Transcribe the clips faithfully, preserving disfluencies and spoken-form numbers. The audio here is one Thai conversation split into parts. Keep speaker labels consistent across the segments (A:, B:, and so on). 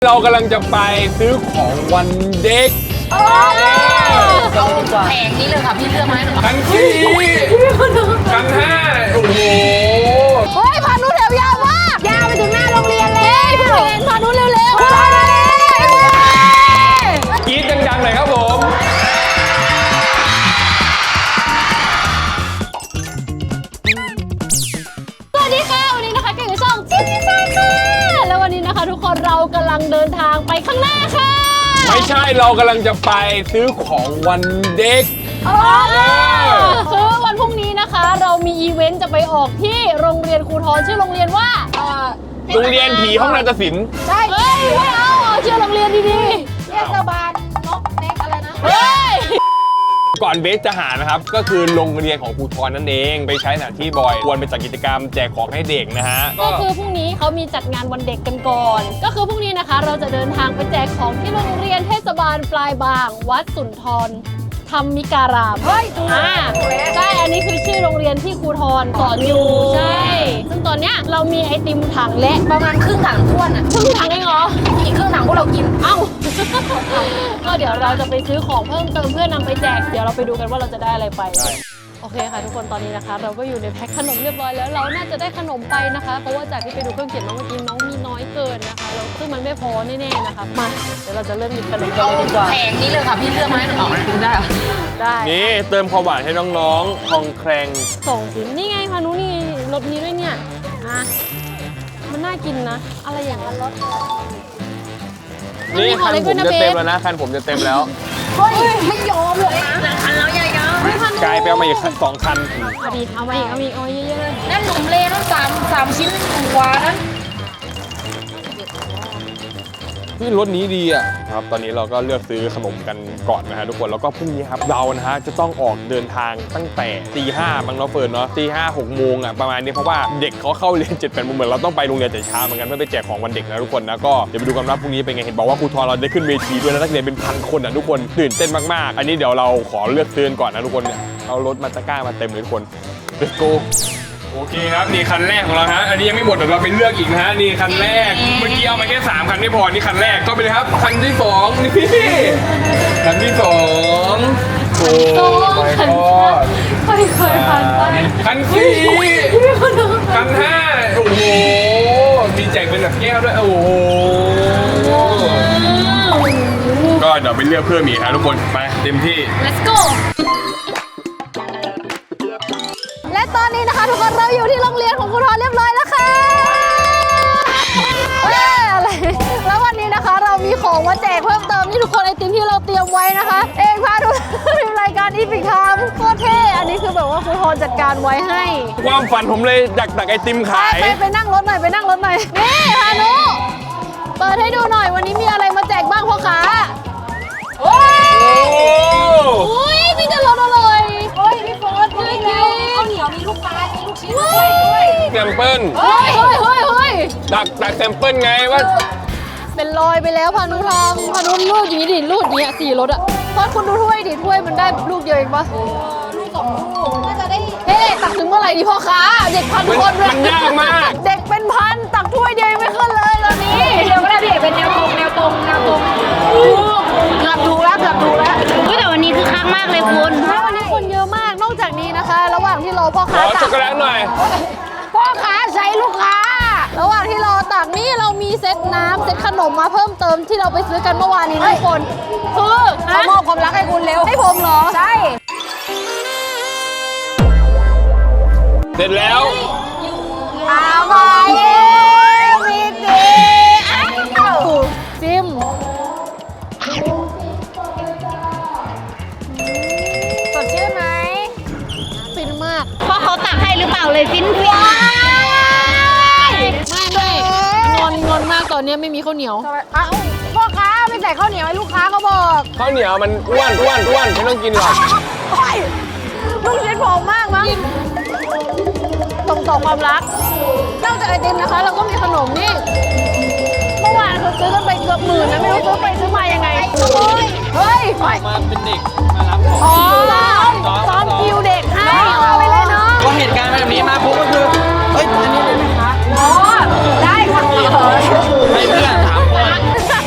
A: เรากำลังจะไปซื้อของวันเด็ก
B: เอาแผงนี้เลยค่ะพี่เลือกมาให้หนู
A: กันสี่กันห้าโอ้โห
C: เฮ้ยพานุแถวยาวมากยาวไปถึงหน้าโรงเรียนเลยพี่เรนพานุเร็วๆ
A: กรี๊ดดังๆหน่อยครับผม
C: สวัสดีค่ะวันนี้นะคะเก่งกับช่องชิคกี้พายค่ะแล้ววันนี้นะคะทุกคนเรากำลังเดินทางไปข้างหน้าค่ะ
A: ไม่ใช่เรากำลังจะไปซื้อของวันเด็ก
C: คือวันพรุ่งนี้นะคะเรามีอีเวนต์จะไปออกที่โรงเรียนครูทรชื่อโรงเรียนว่า
A: โรงเรียนผีห้องนาฏศิลป์
C: ใช่เฮ้ยไม่เอาชื่อโรงเรียนดีๆเทศบาลนกเล็กอะไรนะเฮ้ย
A: ก่อนเบสจะหานะครับก็คือโรงเรียนของครูทรนั่นเองไปใช้สถานที่บ่อยควรไปจัดกิจกรรมแจกของให้เด็กนะฮะ
C: ก็คือพรุ่งนี้เขามีจัดงานวันเด็กกันก่อนก็คือพรุ่งนี้นะคะเราจะเดินทางไปแจกของที่โรงเรียนเทศบาลปลายบางวัดสุนทรธรรมิการามเฮ้ยถูกอ่าใช่อันนี้คือชื่อโรงเรียนที่ครูทรสอนอยู่ใช่ซึ่งตอนเนี้ยเรามีไอติมถังและ
B: ประมาณครึ่งถังท้วนอ่ะ
C: ครึ่งถังเองเหรอ
B: อีกครึ่งถังพวกเรากิน
C: เอ้าก็เดี๋ยวเราจะไปซื้อของเพิ่มเติมเพื่อนำไปแจกเดี๋ยวเราไปดูกันว่าเราจะได้อะไรไปโอเคค่ะทุกคนตอนนี้นะคะเราก็อยู่ในแพ็คขนมเรียบร้อยแล้วเราน่าจะได้ขนมไปนะคะเพราะว่าจากที่ไปดูเครื่องเขียนมาเมื่อกี้น้องมีน้อยเกินนะคะแล้วซึ่งมันไม่พอแน่ๆนะคะมาเดี๋ยวเราจะเริ่มหยิบขนมกันเลยดีกว่า
B: แผงนี้เลยค่ะพี่เลือกมาให้หนูกินได้
C: ได้
A: นี่เติมความหวานให้น้องๆคองแครง
C: ส่งสินี่ไงพานุนี่รสนี้ด้วยเนี่ยอ่ะมันน่ากินนะอะไรอย่างนั้นรส
A: นี่คันผมจะเต็มแล้วนะคันผมจะเต็มแล้ว
C: เฮ้ยไม่ยอมเลยนะ
B: คันแล้วใหญ่
A: ๆกลายไปเอามาอีกสองคัน
C: พอดีเอามาอีกเอามาอีกเอาเยอะๆเลย
B: นั่นหนุ่มเลนั่นสามสามชิ้นกว่านั้น
A: ที่รถนี้ดีอ่ะครับตอนนี้เราก็เลือกซื้อขนมกันก่อนนะฮะทุกคนแล้วก็พรุ่งนี้ครับเรานะฮะจะต้องออกเดินทางตั้งแต่ตีห้าบางเนาะเฟิร์นเนาะตีห้าหกโมงอ่ะประมาณนี้เพราะว่าเด็กเขาเข้าเรียนเจ็ดแปดโมงเหมือนเราต้องไปโรงเรียนแต่เช้าเหมือนกันเพื่อไปแจกของวันเด็กนะทุกคนนะก็เดี๋ยวไปดูกันว่าพรุ่งนี้เป็นไงเห็นบอกว่าครูทรเราได้ขึ้นเวทีด้วยนะนักเรียนเป็นพันคนอ่ะทุกคนตื่นเต้นมากๆอันนี้เดี๋ยวเราขอเลือกซื้อก่อนนะทุกคนเนี่ยเอารถมาตะกร้ามาเต็มเลยทุกคน let's goโอเคครับนี่คันแรกของเราฮะอันนี้ยังไม่หมดเดี๋ยวเราไปเลือกอีกนะฮะนี่คันแรกเมื่อกี้เอามาแค่สามคันไม่พอนี่คันแรกก็ไปเลยครับคันที่สองนี่คันที่สองโอ้ยคัน
C: ค่อยๆผ่านไป
A: คันสี่คันห้าโอ้โหมีแจกเป็นแบบแก้วด้วยโอ้โหก็เดี๋ยวไปเลือกเพิ่มอีกครับทุกคนไปเต็มที่
C: let's goและตอนนี้นะคะทุกคนเราอยู่ที่โรงเรียนของครูทรเรียบร้อยแล้วค่ะเฮ้ยอะไรแล้ววันนี้นะคะเรามีของมาแจกเพิ่มเติมนี่ทุกคนไอติมที่เราเตรียมไว้นะคะเองพาทุกทีมรายการอีพิคามโคตรเท่อันนี้คือแบบว่าครูทรจัดการไว้ให้
A: ความฝันผมเลยดักดักไอติมขาย
C: ไปไปนั่งรถหน่อยไปนั่งรถหน่อยนี่พานุเปิดให้ดูหน่อยวันนี้มีอะไรมาแจกบ้างพ่อค้าโอ้ยนี่จะรถอะไรโอ้ยพี่โฟร์ด้วยแล้วข้าวเหนียวมีลูกปลามีลูกชิ้นด้วย
A: แซมเปิล
C: เฮ้ยเฮ้ยเฮ้ยเฮ้ย
A: ดักดักแซมเปิลไงว่า
C: เป็นรอยไปแล้วพานุทำพานุลูกอย่างนี้ดิลูกนี้สี่รถอะเพราะคุณดูถ้วยดิถ้วยมันได้ลูกเดียวเองปะลูกสองลูกน่าจะได้เฮ้ตักถึงเมื่อไหร่ดิพ่อค้าเด็กพันคนเลย
A: มันยากมาก
C: เด็กเป็นพันตักถ้วยเดียวไม่ขึ้นเลยตอนนี้
B: เดี๋ยวก็ได้พี่เป็นแนวตรงแนวตรงแนวตรง
C: เกือบดูแล้วเกือบดูแล้ว
B: แต่วันนี้คือคักมากเลยคุณ
C: วันนี้คนเยอะมากนอกจากนี้นะคะระหว่างที่รอพ่อค้า
A: ตักช็อกโกแลตหน่อย
C: พ่อค้าใช้ลูกค้าระหว่างที่รอตักนี่เรามีเซตน้ำเซตขนมมาเพิ่มเติมที่เราไปซื้อกันเมื่อวานนี้ทุกคนคือ
B: เขามอบความรักให้คุณเร็ว
C: ให้ผมเหรอ
B: ใช่
A: เสร็จแล้ว
C: เอาไปมีดีซิมสดชื่นไหมฟินมาก
B: เพราะเขาตักให้หรือเปล่าเลยฟินฟิน
C: ไม่ไม่งอนงอนมากตอนนี้ไม่มีข้าวเหนียวพ่อค้าไม่ใส่ข้าวเหนียวให้ลูกค้าเขาบอก
A: ข้าวเหนียวมันอ้วนอ้วนอ้วนไม่ต้องกินหรอก
C: ลูกชิ้นผอมมากมั้งส่งต่อความรักนอกจากไอติมนะคะเราก็มีขนมนี่เมื่อวานเขาซื้อกันไปเกือบหมื่นนะไม่รู้ซื้อไปซื้อมายังไงเฮ้ยเฮ้ย
A: มาเป็นเด็กมารับของ
C: อ๋อซ้อมคิวเด็กให้เอาไปเลยเนาะ
A: ก็เหตุการณ์แบบนี้มาปุ๊บก็คือเฮ้ยอันนี้ได้ไหมคะ
C: อ๋อได้ค่ะ
A: ให้เพื่อนถามคน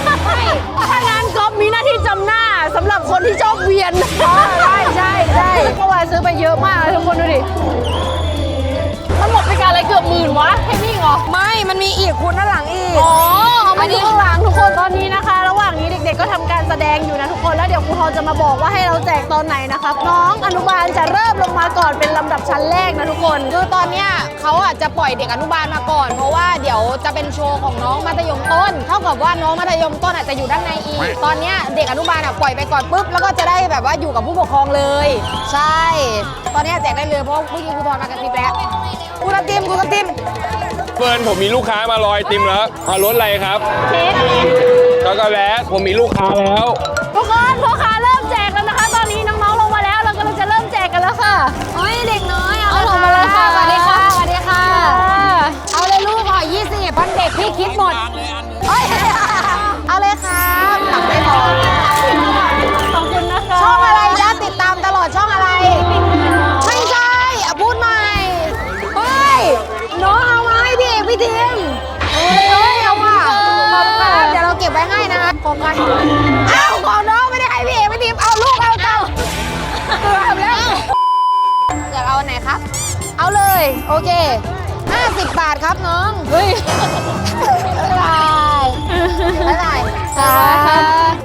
C: ดงอยู่นะทุกคนแล้วเดี๋ยวครูทอนจะมาบอกว่าให้เราแจกตอนไหนนะคะน้องอนุบาลจะเริ่มลงมาก่อนเป็นลำดับชั้นแรกนะทุกคน
B: คือตอนเนี้ยเขาอาจจะปล่อยเด็กอนุบาลมาก่อน เพราะว่าเดี๋ยวจะเป็นโชว์ของน้องมัธยมต้น เท่ากับว่าน้องมัธยมต้นอาจจะอยู่ด้านในอีก ตอนเนี้ยเด็กอนุบาลอ่ะปล่อยไปก่อนปุ๊บแล้วก็จะได้แบบว่าอยู่กับผู้ปกครองเลย ใช่ ตอนเนี้ยแจกได้เลยเพราะเมื่อกี้ครูทอนมากระซิบแล้วครูกระติมครูกระติม
A: เฟิร์นผมมีลูกค้ามารอไอติมแล้วเอารถอะไรครับ
C: เค้ก
A: ช็อกโกแลตผมมีลูกค้าแล้ว
C: ทุกคนพ่อค้าเริ่มแจกแล้วนะคะ ตอนนี้น้องๆลงมาแล้วเรากำลังจะเริ่มแจกกันแล้วค่ะเฮ้ยเด็กน้อยเอาลงมาเลยค่ะ
B: สวัสดีค่ะสวัสดีค่ะ เอาเลยลูกห่อยี่สิบพันเด็กพี่คิดหมดเอ้ยเอาเลยครับหลังไม่พอ
C: ขอบคุณนะคะ
B: ช่องอะไรจ๊ะติดตามตลอดช่องอะไร ไม่ใช่อ่ะพูดใหม่เฮ้ยน้องเอามาให้พี่เอกพี่ทีมเฮ้ยเฮ้ยเอาว่ะขอบคุณครับเดี๋ยวเราเก็บไว้ให้นะโฟกัสเอ้าของน้องไม่ได้ให้พี่เอกพี่ทีมเอาลูกเอาเจ้าเกือบแล้วอยากเอาอันไหนครับ เอาเลยโอเคห้าสิบบาทครับน้องเฮ้ยบ๊ายบายบ๊ายบายครับ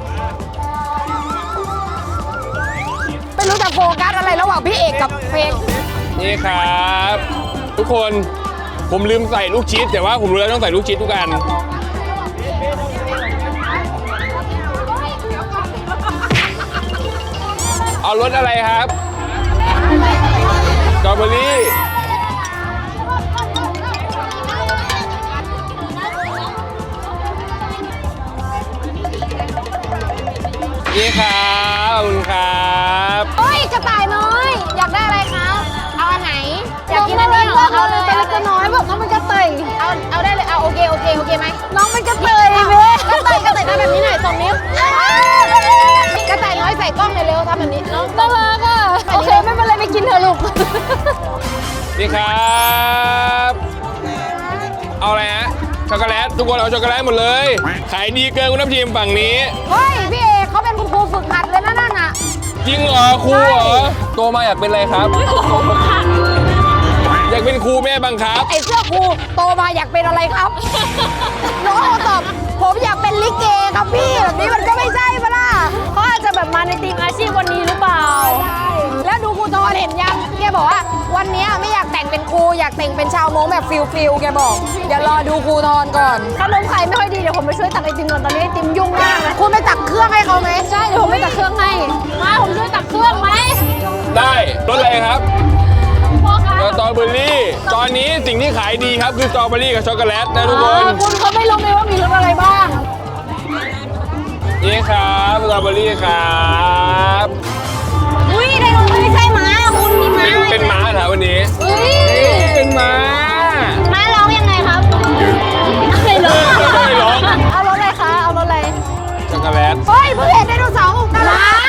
B: ไม่รู้จะโฟกัสอะไรระหว่างพี่เอกกับเพลง
A: นี่ครับ ทุกคนผมลืมใส่ลูกชีสแต่ว่าผมรู้แล้วต้องใส่ลูกชีสทุกอันเอารสอะไรครับสตรอเบอรี่นี่ครับขอบคุณครับ
B: เฮ้ยกระต่ายน้อย อยากได้อะไรคะเอาอันไหนอยากกินอันนี้เหรอเอาเลย
C: ตัวเล็กตัวน้อยบอกน้องมันกระต่าย
B: เอาเอาได้เลยเอาโอเคโอเคโอเคไหม
C: น้องมันกระต่าย
B: เอา
C: เว้ย
B: กระต่ายกระต่ายทำแบบนี้หน่อยสองนิ้วกระต่ายน้อยใส่กล้องเลยเร็วทำแบบนี้น้อง
C: น่ารักอ่ะโอเคไม่เป็นไรไปกินเถอะลูก
A: นี่ครับเอาอะไรฮะช็อกโกแลตทุกคนเอาช็อกโกแลตหมดเลยขายดีเกินคุณทัพทีมฝั่งนี้
B: เฮ้ยพี่เอกเขาเป็นคุณครูฝึกหัดเลยนะนั่นน่ะ
A: จริงเหรอครูเหรอโตมาอยากเป็นอะไรครับ อยากเป็นครูแม่บังคับ
B: ไอ้เสื้อครูโตมาอยากเป็นอะไรครับ น้องตอบผมอยากเป็นลิเกครับพี่แบบนี้มันก็ไม่ใช่ปะล่ะ
C: เขาอาจจะแบบมาในทีมอาชีพวันนี้หรือเปล่า
B: แล้วดูครูทอนเห็นยังแกบอกว่าวันนี้ไม่อยากแต่งเป็นครูอยากแต่งเป็นชาวมงแบบฟิลฟิลแกบอก เดี๋ยวรอดูครูทอนก่อน
C: ขนมไข่ไม่ค่อยดีเดี๋ยวผมไปช่วยตักไอติมก่อนตอนนี้ไอติมยุ่งมากนะ
B: คุณไปตักเครื่องให้เขาไหม
C: ใช่เดี๋ยวผมไปตักเครื่องให้มาผมช่วยตักเครื่องไหม
A: ได้รสอะไรครับ
C: พ่อคะ
A: สตรอเบอรี่ตอนนี้สิ่งที่ขายดีครับคือสตรอเบอรี่กับช็อกโกแลตนะทุกค
C: อ๋อน คุณเขาไม่รู้เลยว่ามีรสอะไรบ้าง
A: นี่ครับสตรอเบอรี่ครับ
C: อุ้ยไดโนไม่ใช่ม้าคุณมีม้า
A: เป็นเป็นม้าเหรอวันนี้
C: อุ้ย
A: นี่เป็นม้า
C: ม้าร้องยังไงครับไม่ร้อง
A: ไม่ร้อง
C: เอารสอะไรคะเอารสอะไร
A: ช็อกโกแลต
B: เฮ้ยเพิ่งเห็นไดโนเสาร์น่ารั
C: ม้าก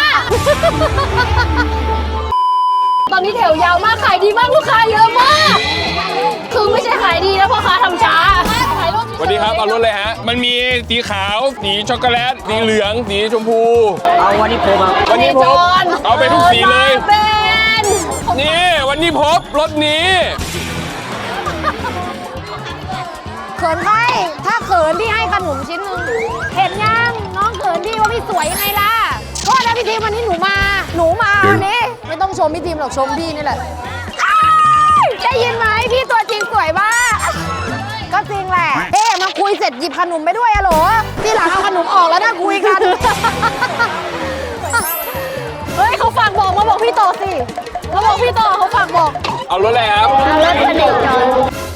C: ตอนนี้แถวยาวมากขายดีมากลูกค้าเยอะมากคือไม่ใช่ขายดีนะพ่อค้าทำช้าขายรถ
A: สวัสดีครับเอารสอะไรฮะมันมีสีขาวสีช็อกโกแลตสีเหลืองสีชมพู
D: เอาวันนี้ผมครับ
A: วันนี้พบเอาไปทุกสีเลย
C: เป็น
A: นี่วันนี้พบรถนี้
B: เขินใครถ้าเขินพี่ให้ขนมชิ้นหนึ่งเห็นยังน้องเขินพี่ว่าพี่สวยยังไงล่ะโทษนะพี่ทีมวันนี้หนูมา หนูมาวันนี้ไม่ต้องชมพี่ทีมหรอกชมพี่นี่แหละอ้ายได้ยินไหมพี่ตัวจริงสวยมากก็จริงแหละเอ๊ะมาคุยเสร็จหยิบขนมไปด้วยอะโหลที่หลังเอาขนมออกแล้วนะคุยกัน
C: เฮ้ยเขาฝากบอกมาบอกพี่ต่อสิเขาบอกพี่ต่อเขาฝากบอก
A: เอารถอะไรครับ
C: เอารถพเนจร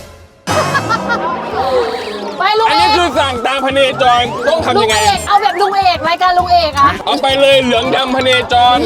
C: ไปลุง
A: อัน
C: เอ
A: นี้
C: ก
A: คือสั่งตามพเนจรต้อง
C: ลุ
A: ทำยัง งไง
C: เอกเอาแบบลุงเอกรายการลุงเอกอะ
A: เอาไปเลยเหลืองดำพเนจร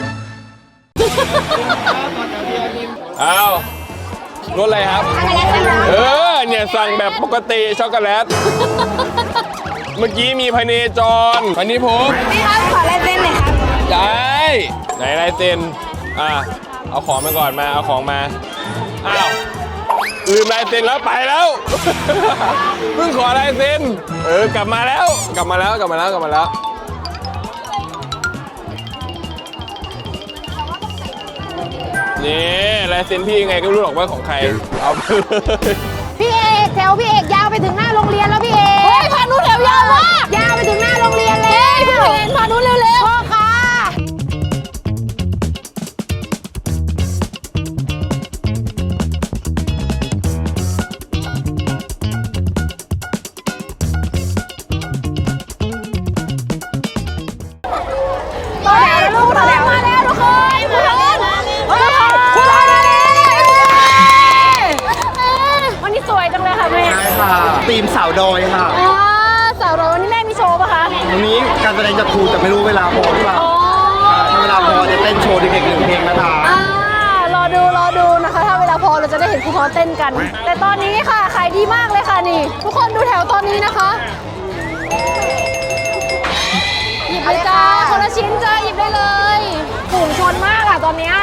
A: เอารถอะไรครับ เออเนี่ยสั่งแบบปกติช็อกโกแลต เมื่อกี้มีพเนจรวันนี้ผม
B: พี่ครับขอลายเซ็นหน่อยครับ
A: ได้ไหนลายเซ็นอ่ะเอาของมาก่อนมาเอาของมาอ้าวลืมลายเซ็นแล้วไปแล้ว เพิ่งขอลายเซ็นเออกลับมาแล้วกลับมาแล้วกลับมาแล้วกลับมาแล้วนี่ลายเซ็นพี่ยังไงก็ไม่รู้หรอกว่าของใครเอาไปเลย
B: พี่เอกแถวพี่เอกยาวไปถึงหน้าโรงเรียนแล้วพี่เอก
C: เฮ้ยพานุแถวยาวมาก
B: ยาวไปถึงหน้าโรงเรียนเลย
C: พี่เอกพานุเร็
D: ค่ะทีมสาวดอยค่ะ
C: อ่าสาวเราวันนี้แม่มีโชว์ปะคะ
D: วันนี้การแสดงจากครูแต่ไม่รู้เวลาพอหรือเปล่า
C: อ๋อ
D: ถ้าเวลาพอจะเต้นโชว์เด็กๆหนึ่งเพลงนะคะ
C: อ่ารอดูรอดูนะคะ ถ้าเวลาพอเราจะได้เห็นครูเขาเต้นกัน แต่ตอนนี้ค่ะขายดีมากเลยค่ะนี่ ทุกคนดูแถวตอนนี้นะคะ หยิบเลยจ้าคนละชิ้นจ้าหยิบได้เลยฝูงชนมากอะตอนเนี้ย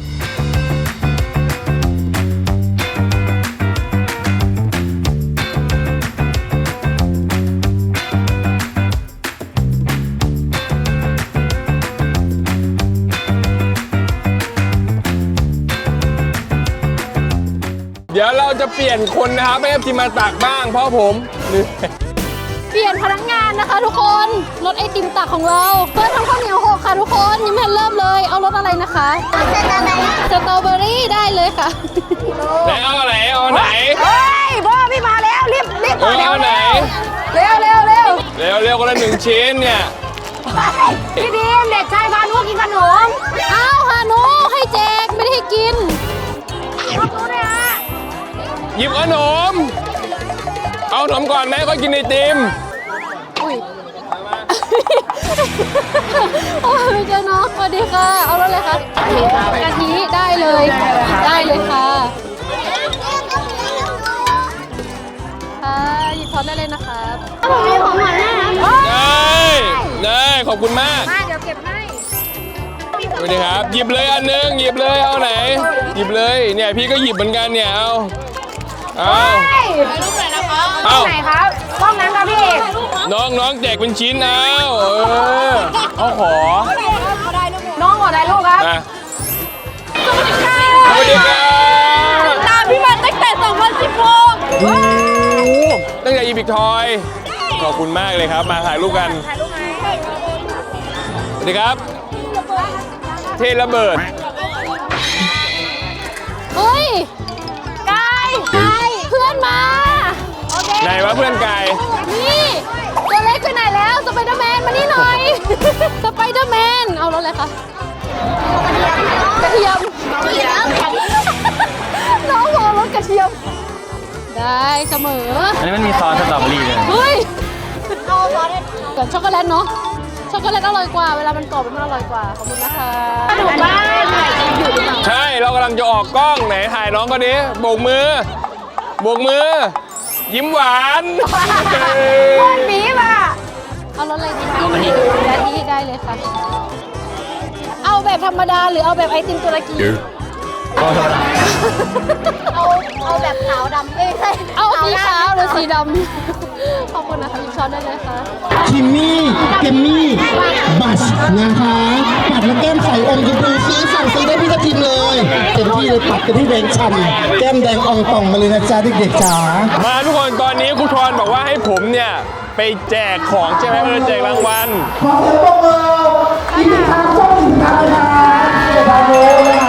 A: เดี๋ยวเราจะเปลี่ยนคนนะครับให้ทีมมาตักบ้างเพราะผมเหนื่อย
C: เปลี่ยนพนักงานนะคะทุกคนรถไอติมตักของเราเพื่อทำข้าวเหนียวหกค่ะทุกคนยังไม่ทันเริ่มเลยเอารถอะไรนะคะสตรอเบอรี่ได้เลยค่ะ
A: ไหนเอาไหนเอาไหน
B: เฮ้ยพ่อพี่มาแล้วรีบรีบ
A: เออเอาไหน
B: เร็วเร็วเร็ว
A: เร็วเร็วคนละหนึ่งชิ้นเนี่ย
B: พี่ดีมเด็กชายพานุกินขนม
C: อ้าวฮานุให้แจกไม่ได้ให้กิน
B: รับรู้ด้วยฮะ
A: หยิบขนมเอาขนมก่อนไหมก็กินไอติม
C: อุ้ย โอ้ยไม่เจอน้องสวัสดีค่ะ เอารถเลยค่ะกะทิได้เลย ได้เลยค่ะค่ะหยิบช้อนได้เลยนะคะ
B: ผมมีของหวานให้นะ
A: ได้ได้ขอบคุณมาก
B: มาเดี๋ยวเก็บให้
A: สวัสดีครับหยิบเลยอันหนึงหยิบเลยเอาไหน หยิบเลยเนี่ยพี่ก็หยิบเหมือนกันเนี่ยเอาเอา
B: รูปไหนนะคะ
A: เอา
B: ไหนครับห้องนั้นครับพี่เอก
A: น้องน้องแจกเป็นชิ้นเอาเออเอาขอ
B: น้องขอถ่ายรูปครับ
A: มาสวัสดีครับ
C: ตามพี่มาตั้งแต่สองพันสิบหก
A: โอ้โหตั้งแต่อีพิกทอยขอบคุณมากเลยครับมาถ่ายรูปกันสวัสดีครับ เทระเบิด
C: เฮ้ยกายกายเพื่อนมา
A: ไหนวะเพื่อนไก่
C: นี่ตัวเล็กไปไหนแล้วสไปเดอร์แมนมานี่หน่อย สไปเดอร์แมนเอารถเลยค่ะกระเทียมน้องบอกรถกระเทียม ได้เสมอ
D: อันนี้มันมีซอสสตรอเบอรี่เลย
C: เฮ้ยกับช็อกโกแลตเนาะช็อกโกแลตอร่อยกว่าเวลามันกรอบมันอร่อยกว่าขอบคุณนะคะหนูบ้านอยู่หรือเปล่า
A: ใช่เรากำลังจะออกกล้องไหนถ่ายน้องก็ดิโบกมือโบกมือ ยิ้มหวาน
B: คนบีบอ่ะ
C: เอารสอะไรดีจิ้มและนี้ได้เลยค่ะ เอาแบบธรรมดาหรือเอาแบบไอติมตุรกี
D: ก็ธรรมดา
B: เอาเอาแบบขาวดำเอ้ยใช่
C: เอาสีขาวหรือสีดำ ขอบคุณนะคะหยิบช้อนได้เลยค่ะ
E: คิมมี่เกมมี่บัชนะคะปัดแล้วแก้มใสอมชมพูซีสั่งซื้อได้พี่ทัพทิมเลยเต็มที่เลยปัดเต็มที่แดงฉ่ำแก้มแดงอ่องป่องมาเลยนะจ๊ะเด็กๆจ๋า
A: มาทุกคนตอนนี้ครูทรบอกว่าให้ผมเนี่ยไปแจกของใช่ไหมเออแจกรางวัล
E: ขอเสียงปรบมืออีกหนึ่งครั้งช่องสินค้านะคะเดี๋ยวพาโน้นะคะ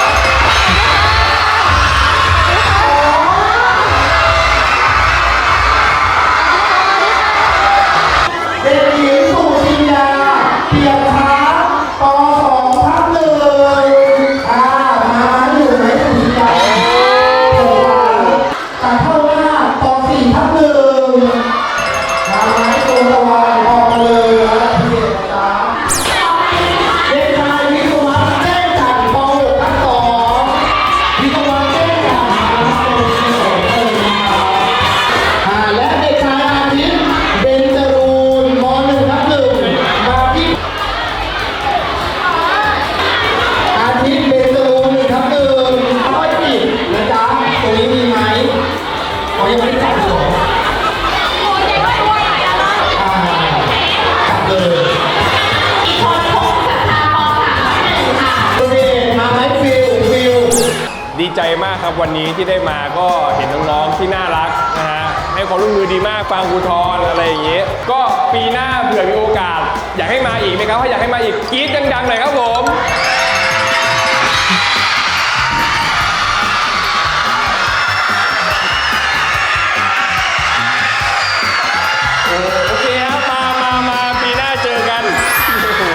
E: เด็กหญิงสุชิยาเพียรพัฒน์ป .สอง ทับหนึ่งอ่ามาอยู่ไหนสุชิยาตัดเข้าหน้าป .สี่ ทับหนึ่งมาไหมตัวตะวันออกมาเลยนะพี่เด็กจ๋าเด็กชายวิศวะแจ้งจันทร์ป .หก ทับสองวิศวะแจ้งจันทร์อ่าและเด็กชายอาทิตย์เบญจรูนม .หนึ่ง ทับหนึ่งมาที่อาทิตย์เบญจรูนหนึ่งทับหนึ่งค่อยปิดนะจ๊ะตรงนี้มีไหมเขายังไม่ได้จับเลยอ่าจับเลยโอเคมาไหมฟิลฟิล
A: ดีใจมากครับวันนี้ที่ได้มาก็เห็นน้องๆที่น่ารักนะฮะให้ความร่วมมือดีมากฟังครูทรอะไรอย่างเงี้ยก็ปีหน้าเผื่อมีโอกาส อยากให้มาอีกไหมครับถ้าอยากให้มาอีกกรี๊ดดังๆหน่อยครับผมโอเคครับมามามาปีหน้าเจอกันโอ้โห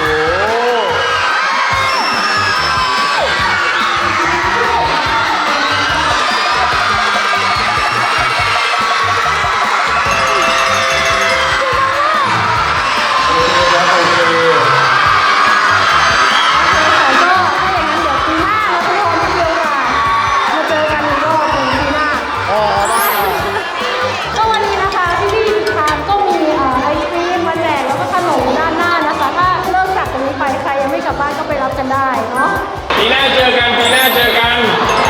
A: ปีหน้าเจอกันปีหน้าเจอกัน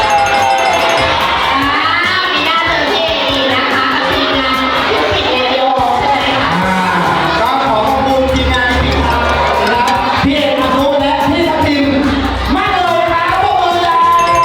E: ก็ขอขอบคุณทีมงานพี่ทางนะครับพี่เอกอนุและพี่ทัพทิมมากเลยครับพวกมือจ้า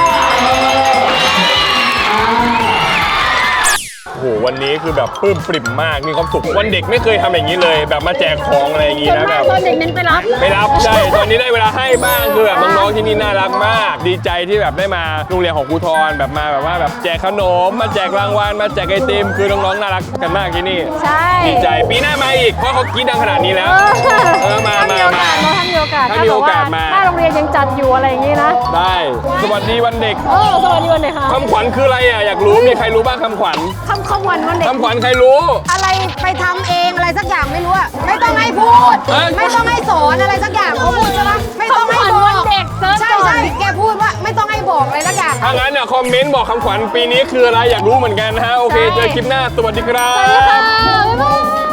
A: โอ้โหวันนี้คือแบบปลื้มปริ่มมากมีความสุขวันเด็กไม่เคยทำอย่างนี้เลยแบบมาแจกของอะไรอย่างนี้
C: ส่วน
A: นะ
C: มา
A: แบ
C: ก
A: บ
C: ตอนเด็กเน้นไปรับ
A: ไม่รับใช่ตอนนี้ได้เวลาให้บ้างคือแบบน้องๆที่นี่น่ารักมาก ดีใจที่แบบได้มาโรงเรียนของครูทรแบบมาแบบว่าแบบแจกขนมมาแจกรางวัลมาแจกไอติมคือน้องๆน่ารักกันมากที่นี่
C: ใช่
A: ดีใจปีหน้ามาอีกเพราะเขากรีดดังขนาดนี้แล้วเออมา
C: ถ้ามี
A: มา
C: โอกา
A: มา
C: สเนอะถ้ามีโอกาส
A: ถ้ามีโอกาสมา
C: ถ้าโรงเรียนยังจัดอยู่อะไรอย่างนี้นะ
A: ได้สวัสดีวันเด็ก
C: เออสวัสดีวันไหนคะ
A: คำขวัญคืออะไรอ่ะอยากรู้มีใครรู้บ้างคำขวัญ
B: คำคำวันวันเด็ก
A: คำขวัญใครรู้
B: อะไรไปทำเองอะไรสักอย่างไม่รู้อะไม่ต้องให้พูด
A: เอ้ย
B: ไม่ต้องให้สอนอะไรสักอย่างเขาพูดใช่ไหมไม่ต้องให้บอก
C: วันเด็กเซิร์ช
B: ใช่
C: ก่อน
B: ใช่แกพูดว่าไม่ต้องให้บอกอะไรสักอย่าง
A: ถ้างั้นเนี่ยคอมเมนต์บอกคำขวัญปีนี้คืออะไรอยากรู้เหมือนกันนะฮะโอเคเจอคลิปหน้าสวัสดีครั
C: สวัสดีค่ะ
A: บ
C: บ๊ายบาย